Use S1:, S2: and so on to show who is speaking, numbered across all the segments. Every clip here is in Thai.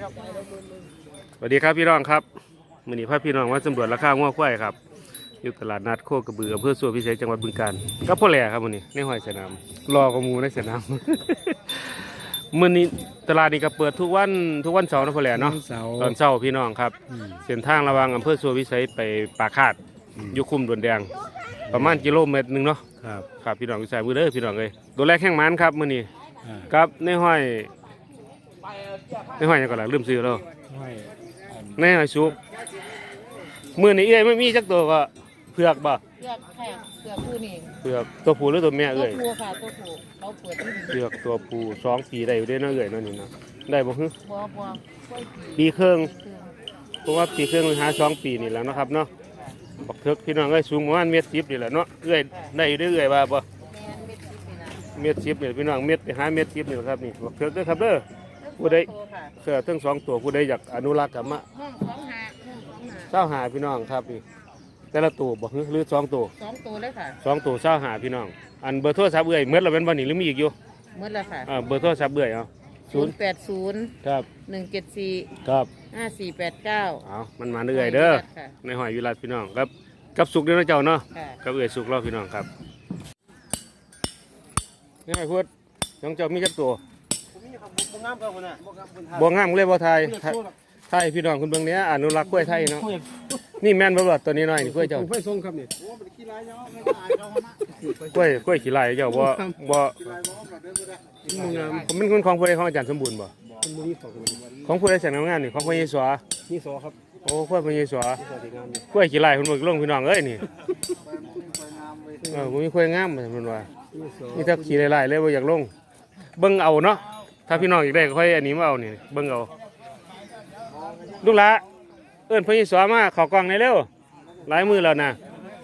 S1: สวัสดีครับพี่น้องครับมื้อนี้พาพี่น้องมาสำรวจราคางัวควายครับอยู่ตลาดนัดโคกระบืออำเภอสัวพิเศษจังหวัดบึงกาฬก็พ่อแหล่ครับมื้อนี้ในห้อยสนามรอกระมูในสนาม มื้อนี้ตลาดนี้ก็เปิดทุกวันเสาร์นะพ่อแหล่เนาะตอนเช้าพี่น้องครับเส้นทางระหว่างอำเภอสัวพิเศษไปปากคาดอยู่คุ้มดวนแดงประมาณกิโลเมตรนึงเนาะครับพี่น้องอยู่สายมือเด้อพี่น้องเอ้ยตัวแรกแข้งมันครับมื้อนี้ครับในห้อยยังก่อนล่ะลืมซื้อแล้วในห้อยสุกมื้อนี้เอ้ยไม่มีจักตัวก็เผือกบ่
S2: เผือกค่ะเผือกผู้นี่
S1: เผือกตัวผู้หรือตัวแม่
S2: ตัว
S1: เอ้ย
S2: ผู้ค่ะตัวผู้เราเปิดที่
S1: เผือกตัวผู้2 ปีได้อยู่เด้เนาะเอ้ยเนาะนี่เนาะได้บ่ฮึ
S2: บัวกล้วย
S1: ปีครึ่ง
S2: คือ
S1: เพราะว่าปีครึ่งหา2 ปีนี่แหล้วนาะครับเนาะบักเถิกพี่น้องเอ้ยสูงประมาณ1.10 นี่แหละเนาะเอ้ยได้อยู่เด้อเอ้ยว่าบ่
S2: แม่เม็ดที่นี่นะ
S1: 1.10นี่พี่น้องเม็ดไปหา1.10นี่แหละครับนี่บักเถิกเด้อครับเด้อผู้ใด
S2: ตัวค่ะ
S1: เสือทั้ง2 ตัวผู้ใดอยากอนุรักษ์กลับมา
S2: ห้องของหาห้องของหา
S1: เศร้าหาพี่น้องครับนี่แต่ละตัวบ่ฮึหรือ2 ตัว
S2: 2 ตัวเลยค่ะ
S1: 2 ตัวเศร้าหาพี่น้องอันเบอร์โทรศัพท์เอ้ยเมื่อเราเป็นวันนี้หรือมีอีกอยู่
S2: หมดแล้วค่ะ
S1: เบอร์โทรศัพท์เอ้ยเอา
S2: 080
S1: ครับ
S2: 174
S1: ครับ
S2: 5489
S1: เอามันมาเรื่อยเด้อในหอยวิรัตพี่น้องครับกับสุกเด้อเจ้าเนาะ
S2: ค่ะ
S1: กับเอ้ยสุกเราพี่น้องครับนี่ไอ้พูดน้องเจ้ามีจักตัวบ่งามเลยบ่ไทยไทยพี่น้องคุณเบิ่งเนี้ยอนุรักษ์กล้วยไทยเนาะนี่แม่นบ่ล่ะตัวนี้น้อยนี่กล้วยเจ้า
S3: ไฟส่งครับนี่
S1: กล้วยขี้ลายเจ้าบ่ผมเป็นคนของผู้ใดของอาจารย์สมบูรณ์บ่
S3: เป็นมือสอง
S1: ของผู้ใดแสนงามนี่ของพระเยซู
S3: นี่สอครับ
S1: โอ้กล้วยพระเยซู
S3: สอดีงามนี่
S1: กล้วยขี้ลายเพิ่นบ่ลงพี่น้องเอ้ยนี่บ่มีกล้วยงามเพิ่นว่า
S3: นี่สอ
S1: นี่ถ้าขี้ลายๆเลยบ่อยากลงเบิ่งเอาเนาะถ้าพี่น้องอยากได้ก็ค่อยอันนี้มาเอานี่เบิ่งเอาลูกหลาเอิ้นพระเยซูมาเข้ากล้องได้เร็วหลายมื้อแล้วนะ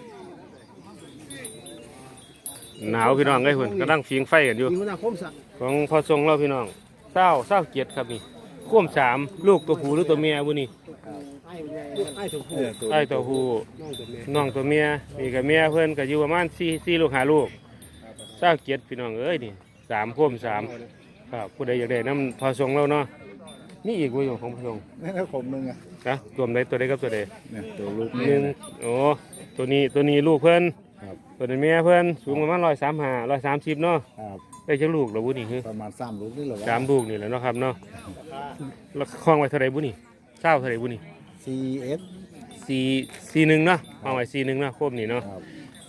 S1: หนาวพี่น้องเอ้ยเพิ่นกำลังฟิงไฟกันอยู่
S3: มีมันคมสัก
S1: ของพอทรงเราพี่น้อง27ครับนี่ควม3ลูกตัวผู้หรือตัวเมียบุนี่
S3: ไอ้ถูกผู้
S1: ไอ้ตัวผู้
S3: น้องตัวแม่
S1: น้องตัวเมียนี่กับเมียเพื่อนก็อยู่ประมาณ4ลูก5ลูก27พี่น้องเอ้ยนี่3ควม3ครับผู้ใดอยากได้น้ำพอทรงเราเนาะนี่อีกบ่อยู่ของพอทรง
S3: นั่นก็ผมนึงอ่ะ
S1: นะรวมได้ตัวใดกับตัวใด
S3: เนี่ยตัวลูก
S1: หนึ่งโอ้ตัวนี้ลูกเพิ่น
S3: ครับ
S1: ตัวนี้เมียเพิ่นสูงประมาณ135 130เนาะ
S3: ครับ
S1: ได้จักลูกแล้วบุนี่คือ
S3: ประมาณ3ลูกนี่เหรอ
S1: 3ลูกนี่แหละเนาะครับเนาะแล้วคล้องไว้เท่าใดบุนี่เท่าใดบุนี่
S3: CS
S1: 4-1เนาะเอาไว้4-1เนาะครบนี่เนาะ
S3: ครับ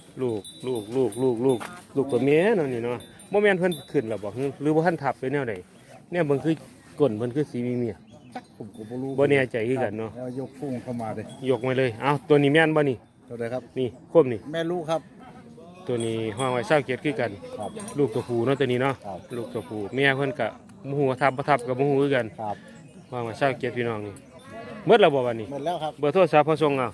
S1: ลูกตัวเมียเนาะนี่เนาะบ่แม่นเพิ่นขึ้นแล้วบ่หรือบ่ทันทับไปแนวใดเนี่ยเบิ่งคือก้นเพิ่นคือสีมี
S3: ผมก็บ่รู้
S1: บ่แน่ใจคือกันเนาะ
S3: แล้วยกฟุ้งเข้ามาเลย
S1: ยกมาเลยเอ้าตัวนี้แม่นบ่นี่
S3: เท่าไหร่ครับ
S1: นี่คมนี่
S3: แม่ลูกครับ
S1: ตัวนี้ห้องไว้27คือกัน
S3: ครับ
S1: ลูกตัวผู้เนาะตัวนี้เนาะ
S3: ครับ
S1: ลูกตัวผู้เมียเพิ่นก็บ่ฮู้ว่าทับบ่ทับก็บ่ฮู้คือกัน
S3: ครับ
S1: ห้องไว้27พี่น้องนี่หมดแล้วบ่บัดนี้
S3: หมดแล้วครับ
S1: เบอร์โทรศัพท์พอส่งอ่ะ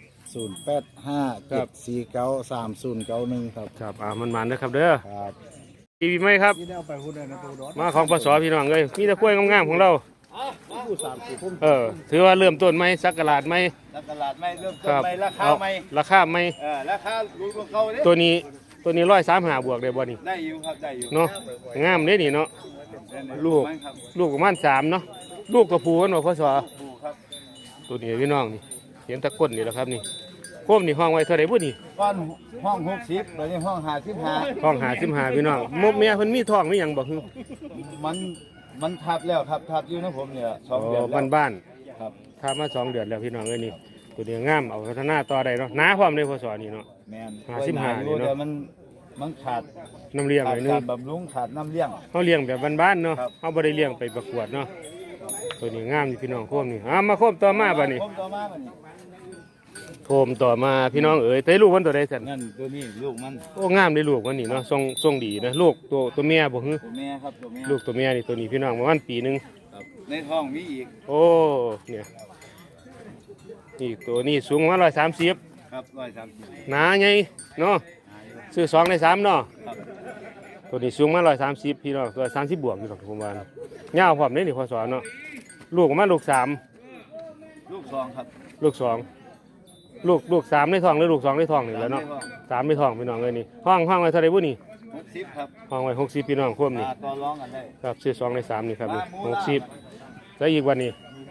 S3: 0857493091ครับ
S1: ครับมันๆเด้อครับเด้อ
S3: ครับ
S1: ทีวีไหมครับ
S3: ที่ได้เอาไปหุ้นได้นะตัวดอด
S1: มาของปสพี่น้องเอ้ยมีแต่กล้วยงามๆของเรา
S3: ผู้3ผม
S1: ถือว่าเริ่มต้นไหมสักกะลาดไหม
S4: ตลาดไม่เริ่ม
S1: ค
S4: ต้น
S1: รับ
S4: ไม่ราคาไม่
S1: ราคาไหม
S4: ราคาลูกของเขาเนี่ย
S1: ตัวนี้135บวกได้บ่นี่
S4: ได้อยู่ครับได้อยู่
S1: เนาะงามเด้นี่เนาะ ลูก
S4: มันครับ
S1: ลูกประมาณ3เนาะลูกกระพูกันบ่พศ
S4: ปูครับ
S1: ตัวนี้พี่น้องนี่เห็นตะก้นนี่แหละครับนี่โคมนี่ห้องไว้เท่าไหร่บ่นี่
S4: ก้อนห้อง60ตอนนี้ห้อง55
S1: ห้อง55พี่น้องมกเมียเพิ่นมีท้องมีหยังบ่ฮึ
S4: มันทับแล้วครับทับอยู่นะผมเนี่ยสองเดือนแล้ว
S1: บ้าน
S4: ครับ
S1: ๆถ้ามา2 เดือนแล้วพี่น้องเอ้ยนี่ตัวนี้งามเอาพัฒนาต่อได้เนาะหนาพร้อมเลยพศนี่เนาะ
S4: แมน
S1: 55นี่เนอะ
S4: แต่มันขาด
S1: น้ำเลี้ยงหน่อยนึ
S4: กาง รบำรุงขาดน้ำเลี้ยง
S1: เขาเลี้ยงแบบบ้านๆเนาะ
S4: ครับ
S1: เขาบ่ได้เลี้ยงไปประกวดเนาะตัวนี้งามนี่พี่น้องโคมนี่มาโคมต่อมาบัดนี้
S4: ผมต่อมาบัดนี้
S1: โคมต่อมาพี่น้องเอ๋ยแต่ลูกมันตัวใดสั่น
S4: นั่นตัวนี้ลูกมัน
S1: โอ้งามได้ลูกมันนี่เนาะทรงดีนะลูกตัวเมียบ่ฮึ
S4: ตัวแม่ครับตัวแม่
S1: ลูกตัวเมียนี่ตัวนี้พี่น้องประมาณปีหนึง
S4: ครับในท้องมีอีก
S1: โอ้เนี่ยนี่ตัวนี้สูงประมาณ130
S4: ครับ130
S1: หนาใหญ่เนาะซื้อ2ใน3เนาะ
S4: ครับ
S1: ตัวนี้สูงมา130พี่น้อง130บวกอยู่หรอกผมว่านะยาวพร้อมเด้นี่พอสอนเนาะลูกประมาณลูก3
S4: ลูกสองครับ
S1: ลูก2ลูก3ในท้องหรือลูก2ในท้องนี่แหล้วเนาะ3ในท้องพี่น้องเอ้ยนี่ห้องไว้เท่าใดบ่นี่
S4: 60ครับ
S1: ห้องไว้60พี่น้องควมนี่
S4: ต่อร้องกันได้
S1: ครับซื้อ2ใน3นี่ครับนี่60แล้วอีกวันนี้
S4: ม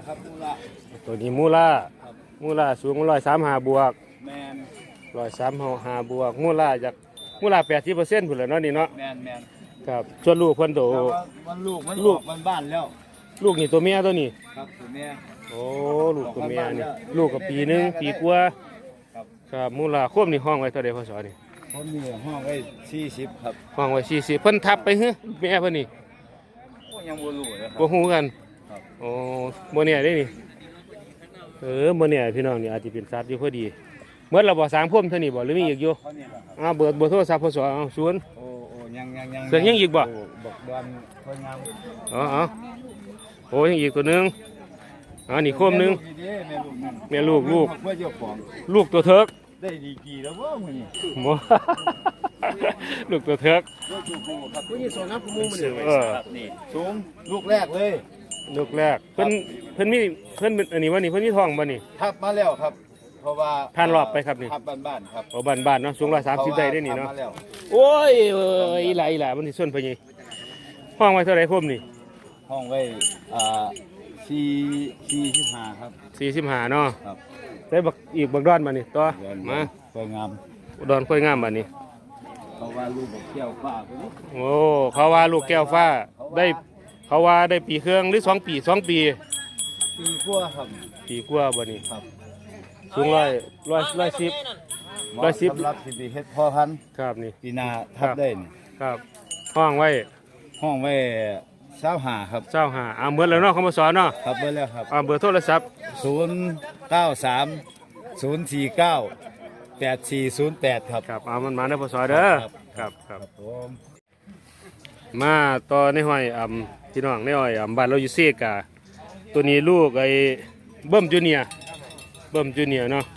S4: ครับมูละ
S1: ตัวนี้มูล่าสูง135บวก
S4: แมน
S1: 135บวกมูล่า80%พุ่นแหละเนาะนี่เนาะ
S4: แมน
S1: ครับส่วนลูกเพิ่นโต
S4: แต่ว่ามันลูกมันออกมันบ้านแล้ว
S1: ลูกนี่ตัวเมียตัวนี้
S4: ครับตัวเนี้ย
S1: โอ้ลูกตัวเมียนี่ลูกกับปีหนึงปีกว่า
S4: ครับ
S1: ครับมูล่าควบนี่ห้องไว้เท่าใดพศนี่
S4: ผมมีห้องไว้40ครับ
S1: ห้องไว้40เพิ่นทับไปฮึแม่เพิ่นนี่
S4: โอ้ยังบ่รู้เลยครั
S1: บ่ฮู้กัน
S4: ครับ
S1: โอ้บ่เนี่ยได้นี่บ่เนี่ยพี่น้องนี่อาจสิเป็นสัตว์อยู่พอดีเมื่อเราบ่สร้างพุ่มเท่านี้บ่หรือมีอีกอยู่
S4: เท่านี้แหละครับ
S1: เบอร์โทรศัพท์พศเอา0
S4: โอ้ยัง
S1: เสียงยังอีกบ่
S4: โบอกดอนค่อยงาม
S1: อ๋อโอ้ยังอีกตัวหนึงนี่โคมหนึง
S4: แม่ลูกหนึ่ง
S1: แม่ลูก
S4: เพื่อเจ้าของ
S1: ลูกตัวเถิก
S4: ได้ดีกี่แล้วว่ามึงนี่
S1: หมอ ลูกตัวเถิก
S4: ลูกจูกูครับ
S3: ผู้ยี่สองนะผู้มูมันเนี่ย
S4: ครับนี่สูงลูกแรกเลย
S1: ลูกแรกเพิ่นมีเพิ่นเป็นอันนี้ว่านี่เพิ่นมีท้องบ่นี่
S4: ทับมาแล้วครับ เพราะว่า
S1: ผ่านรอบไปครับนี่
S4: ทับบ้านๆครับ
S1: เอาบ้านๆเนาะสูง130ได้ได้นี่เนาะ
S4: ทับมแล้ว
S1: โอ้ยอีหลามันสิส่วนไปนี่ห้องไว้เท่าไหร่พุ่มนี่
S4: ห้องไว้45ครับ
S1: 45เนาะ
S4: ครับ
S1: ได้บักอีกบักดอนมานี่ต่อมา
S4: สวยงาม
S1: ดอนค่อยงามบัดนี้
S4: เพราะว่าลูกบอกแก้วฟ้าไปนี่
S1: โอ้เขาว่าลูกแก้วฟ้าได้เขาว่าได้ปีเครื่องหรือ2 ปี 2 ปี
S4: ปีกว่าครับ
S1: ปีกว่าบัดนี้
S4: ครับ
S1: สูง110
S4: เหมาะสำหรับสิไปเฮ็ดพ่อพันธุ์
S1: ครับนี่
S4: ปีหน้าทับได้นี่
S1: ครับห้องไว้
S4: ห้องไว้25ครับ
S1: 25เบิดแล้วเนาะเขามาสอนเนาะ
S4: ครับเบอร์แล้วครับ
S1: เบอร์โทรศัพท์
S4: 093 049 8408 ครับ
S1: ครับมันมาได้พอสอนเด้อ
S4: ครับ
S1: ครับ
S4: ผม
S1: มาต่อในห้อยพี่น้องในห้อยบ้านเราอยู่เซกาตัวนี้ลูกไอ้เบิ้มจูเนียร์เนาะ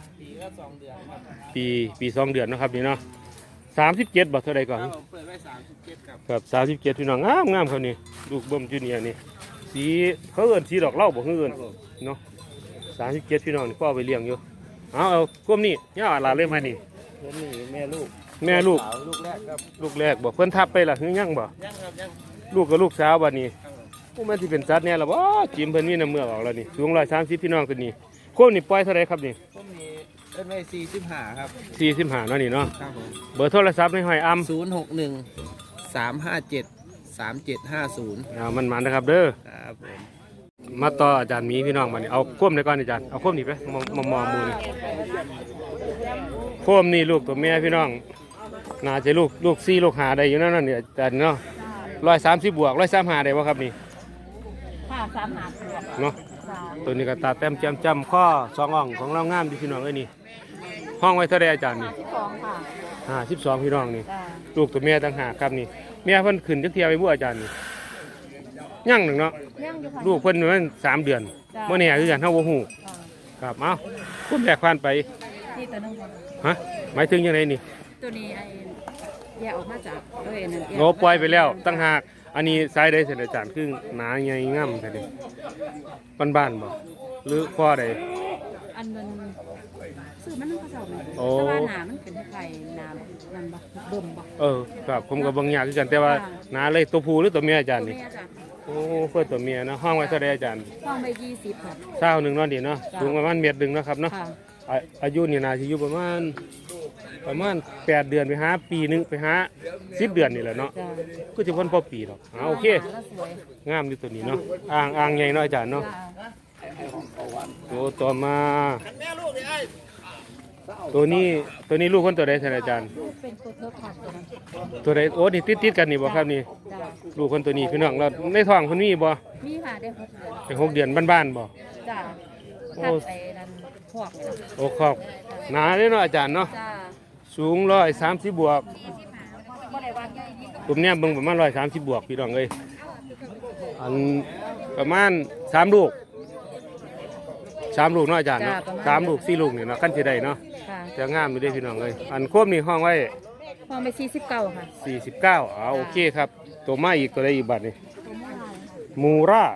S1: ปี2 เดือนเนาะครับนี่เนาะ37บาทเท่าไรก่อนเปิดไว้37ครับ37พี่น้องงามครับนี่ลูกเบิ้มจูเนียร์นี่สีเขาเอิ้นสีดอกเหล้าบ่คือเอิ้นเนาะ37พี่น้องนี่พ่อเอาไปเลี้ยงอยู่เอากลมนี่ย่าหลานเลยมานี่
S4: นี่แม่ลูก
S1: แม่ลูก
S4: สาวลูกแรกครับ
S1: ลูกแรกบอกเพิ่นทับไปล่ะคือยังบ่
S4: ยังครับยัง
S1: ลูกกับลูกสาวบัดนี้ผู้มันสิเป็นสัตว์แน่ล่ะบ่จิมเพิ่นมีน้ำเมือกออกแล้วนี่สูง130พี่น้องตัวนี้โคมนี่ปล่อยเท่าไรครับนี่
S4: ผมมีเป็นไว้45ครับ
S1: 45เนาะนี่เนาะ
S4: ครับผม
S1: เบอร์โทรศัพท์ในห้อย
S2: 061 357 3750
S1: มันนะครับเด้อ
S2: ครับผม
S1: มาต่ออาจารย์หมีพี่น้องบัดนี้เอาโคมได้ก่อนอาจารย์เอาโคมนี่ไปมองหมู่นี่โคมนี่ลูกตัวแม่พี่น้องน่าจะลูก4ลูก5ได้อยู่นั่นนี่อาจารย์เนาะ130บวก135ได้บ่ครับนี่
S2: ค่ะ3 หา
S1: เนาะตัวนี้ก็ตาแต้มจำข้อ2อ่องของเรางามดีพี่น้องเอ้ยนี่ห้องไว้เท่าใดอาจารย์นี่
S2: 12ค่ะ
S1: 52พี่น้องนี่
S2: จ้า
S1: ลูกตัวแม่ต่างหากครับนี่แม่เพิ่นขึ้นจักเที่ยวไปบ่อาจารย์นี่ยังหนึ่งเนาะ
S2: ยังอยู่ค่ะ
S1: ลูกเพิ่นมัน3 เดือน
S2: จ้ะ
S1: บ่แน่คือกันเฮาบ่ฮู้
S2: ค่ะ
S1: ครับเอ้าคุณแบกผ่านไป
S2: ที่ตัวนึงค่ะ
S1: ฮะหมายถึงยังไงนี่
S2: ตัวนี้แยกออกมาจากนั่น
S1: โงปล่อยไปแล้วตั้งหากอันนี้สายใดเสร็จอาจารย์คือหนาใหญ่งามแท้เด้บ้านๆบ่หรือข้อใด
S2: อันนั้นซื้อมันก็เจ้าแม่
S1: โอ้
S2: แต่ว่าหนามันเป็นไข่น้ำนั่นบ่เบิ่มบ่
S1: ครับผมก็บางอย่างคือกันแต่ว่าหนาเลยตัวผู้หรือตัวเมียอาจารย์
S2: ตัว
S1: นี่
S2: แม่จ้ะ
S1: โอ้เพื่อตัวเมียเนาะห้องไว้เท่าใดอาจารย์
S2: ห้องไป20ค่ะ
S1: เช้าหนึ่งเนาะดีเนาะ
S2: จ้ะ
S1: สูงประมาณเมตรหนึ่งเนาะครับเนาะ
S2: ค่ะ
S1: อายุนี่น่าจะอยู่ประมาณ8 เดือนไปหาปีหนึงไปหา10 เดือนนี่แหละเนาะ
S2: จ้า
S1: ก็จะพ้นพอปีหรอกโอเค
S2: แล้วสวย
S1: งามอยู่ตัวนี้เนาะอ่างใหญ่เนาะอาจารย์เนาะ
S2: จ้า
S1: ตัวต่อมาตัวนี้ลูกคนตัวใดท่านอาจารย์
S2: ลูกเป็นตัวเทิร์กค่ะตัวนั้น
S1: ตัวใดโอ้นี่ติดกันนี่บ่ครับนี่
S2: จ้า
S1: ลูกคนตัวนี้พี่น้องเราในท้องเพิ่นมีบ่
S2: มีค่ะได้6 เดือน
S1: เป็น6 เดือนบ้านๆบ่
S2: จ้า
S1: โอ้
S2: ทับไปนั่นพวกจ้ะ
S1: โอ้ขอบหนาเลยเนาะอาจารย์เนาะ
S2: จ้า
S1: สูง130บวก
S2: บ่ได้ว่าใหญ่ดี
S1: ผมเนี่ยเบิ่งประมาณ130บวกพี่น้องเอ้ยอันประมาณ3 ลูกเนาะอาจารย์เนาะ3 ลูก4 ลูกนี่เนาะคันสิได้เนาะ
S2: ค่ะ
S1: จะงามอยู่เด้พี่น้องเอ้ยอันโคมนี่ห้องไว้
S2: ห้องไป49ค่ะ
S1: 49โอเคครับตัวมาอีกตัวใดอีกบัดนี่
S2: ตัวเมื่อไหร่
S1: มู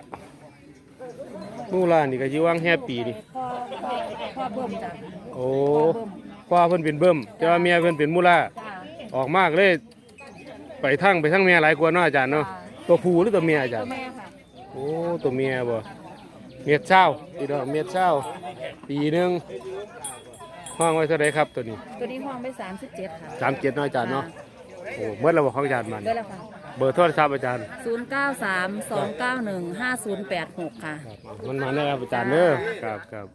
S1: รานี่ก็สิวางแฮปปี้นี่
S2: พ่อเบิ่มจ้ะ
S1: โอ้พ่อเพิ่นเป็นเบิ่มแต่ว่าเมียเพิ่นเป็นมูรา
S2: จ้า
S1: ออกมากเลยไปทั้งเมียหลายกว่าเนาะอาจารย์เนาะตัวผู้หรือตัวเมียอาจาร
S2: ตัว
S1: ย์
S2: แม่ค่ะ
S1: โอ้ตัวเมียบ่เม็ดเช้าพี่น้องเม็ดเช้าปีหนึงห้องไว้เท่าไรครับตัวนี้
S2: ตัวนี้ห้องไป37ค่ะ
S1: 37น้อยอาจารย์เนาะโอ้เมื่อเราบอกของอาจารย์มัน
S2: ได้แล้วค่ะ
S1: เบอร์โทรศัพท์อาจารย์
S2: 0932915086 ค่ะ
S1: มันมาได้ครับอาจารย์เด้อครับครับ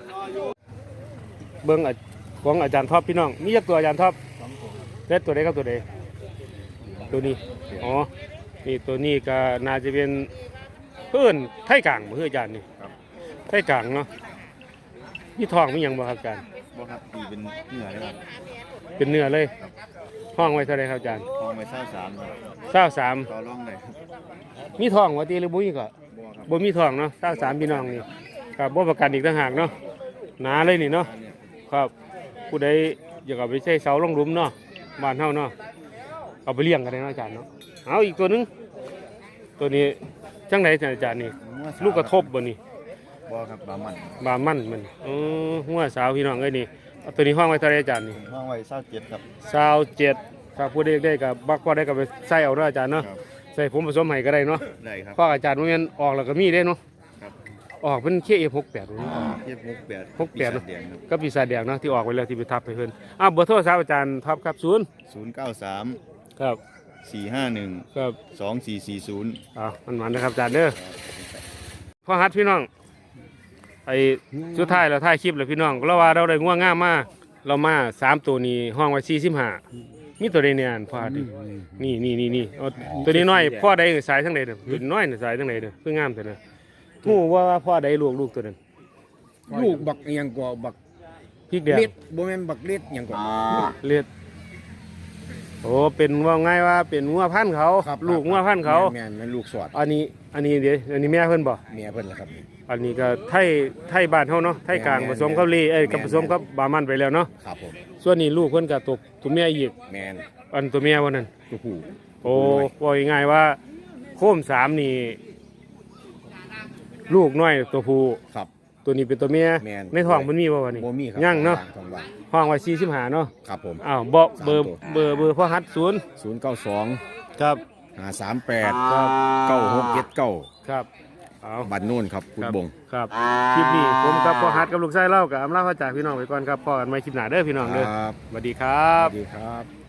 S1: เบิ้งของอาจารย์ท็อปพี่น้องมีจักตัวอาจารย์ท็อปเล็ดตัวใดครับตัวใดตัวนี้อ๋อนี่ตัวนี้ก็น่าจะเป็นเพื่อนไทยกลางเพื่ออาจารย์นี่ไทยกลางเนาะมีทองมีหยังบ่ครับอาจารย์
S4: บ่ครับตีเป็นเหนือเลยครับ
S1: เป็นเนื้อเลยห้องไว้เท่าไรครับอาจารย์
S4: ทองไว้เศร้าสามครับ
S1: 23
S4: ต่อรองเลยครับ
S1: มีทองว่าตีหรือบ่มีก็
S4: บ่ครับ
S1: บ่มีทองเนาะ23พี่น้องนี่ครับบ่ประกันอีกต่างหากเนาะหนาเลยนี่เนาะ
S4: อันนี้
S1: ครับผู้ใดอยากเอาไปใช้เสาลงหลุมเนาะบ้านเฮาเนาะเอาไปเลี้ยงกันได้เนาะอาจารย์เนาะเอาอีกตัวหนึงตัวนี้จังไดอาจารย์นี่ลูกกระทบบ่นี่
S4: บ่ครับบามัน
S1: บามันมันหัวสาวพี่น้องเอ้ยนี่เอาตัวนี้ห้องไว้เท่าไหร่อาจารย์นี่
S4: ห้องไว้เศร้าเจ็ดครับ
S1: 27ครับผู้ใดอยากได้ก็บักพอได้ก็ไปใส่เอาเนาะอาจารย์เนาะ
S4: ครับ
S1: ใส่ผมผสมให้ก็ได้เนาะ
S4: ได้ครับ
S1: เพราะอาจารย์บ่แม่นออกแล้วก็มีเด้เนาะ
S4: ครับ
S1: ออกเป็น KF68 นี่
S4: เทียบ68
S1: 68
S4: ปีศาจแดงครับ
S1: ก็ปีศาจแดงเนาะที่ออกไปแล้วที่ไปทับให้เพิ่นเบอร์โทรศัพท์อาจารย์ท็อปครับ
S4: 093
S1: ครับ
S4: 451
S1: ครับ
S4: 2440
S1: มันนะครับอาจารย์เด้อพ่อฮัดพี่น้องไอ้สุดท้ายเราถ่ายคลิปแล้วพี่น้องเราว่าเราได้ง่วงง่ามมาเรามา3ตัวนี้ห้องไว้45มีตัวใดเนี่ยอันพ่อฮัดนี่เอาตัวนี้น้อยพ่อใดสายทั้งใดเด้อตัวน้อยน่ะสายทั้งใดเด้อคืองามแต่เด้อฮู้ว่าพ่อใดลูกตัวนั้น
S3: ลูกบักอิหยังกว่าบัก
S1: พริกแดง
S3: เล็ดบ่แม่นบักเล็ดอิหยังกว่า
S1: เลียดโอ้เป็นว่าง่ายว่าเป็นงัวพันธุ์เขาลูกงัวพันธุ์เขา
S3: แม่นลูกสอด
S1: อันนี้เดี๋ยวอันนี้แม่เพิ่นบ่
S3: เมียเพิ่นล่ะครับ
S1: อันนี้ก็ไทยบ้านเฮาเนาะไทยกลางผสมกับลีกับผสมกับบามันไปแล้วเนาะ
S3: ครับผม
S1: ส่วนนี้ลูกเพิ่นก็ตกตัวแม่อีก
S3: แม่น
S1: อันตัวแม่ว่านั่น
S3: ตัวผู้
S1: โอ้ว่าง่ายๆว่าโคม3นี่ลูกน้อยตัวผู้
S3: ครับ
S1: ตัวนี้เป็นตัวแม่
S3: แม่น
S1: ในท้องมันมีบ่วะนี่
S3: บ่มีครับ
S1: ยังเนาะ
S3: ทองว่าง
S1: ห้องไว้45เนาะ
S3: ครับผม
S1: อ้าวเบอร์พ่อฮัด0
S3: 092
S1: ครับ
S3: 538
S1: ครับ
S3: 9679
S1: ครับเอา
S3: บันโน่นครับคุณบง
S1: ครับคลิปนี้ผมกับพ่อฮัดกับลูกชายเล่ากับอำลาพระจากพี่น้องไปก่อนครับพ่อกันใหม่คลิปหน้าเด้อพี่น้องเด้อ
S3: ครับ
S1: สวัสดีครั
S3: ส
S1: บ
S3: วัสดีครับ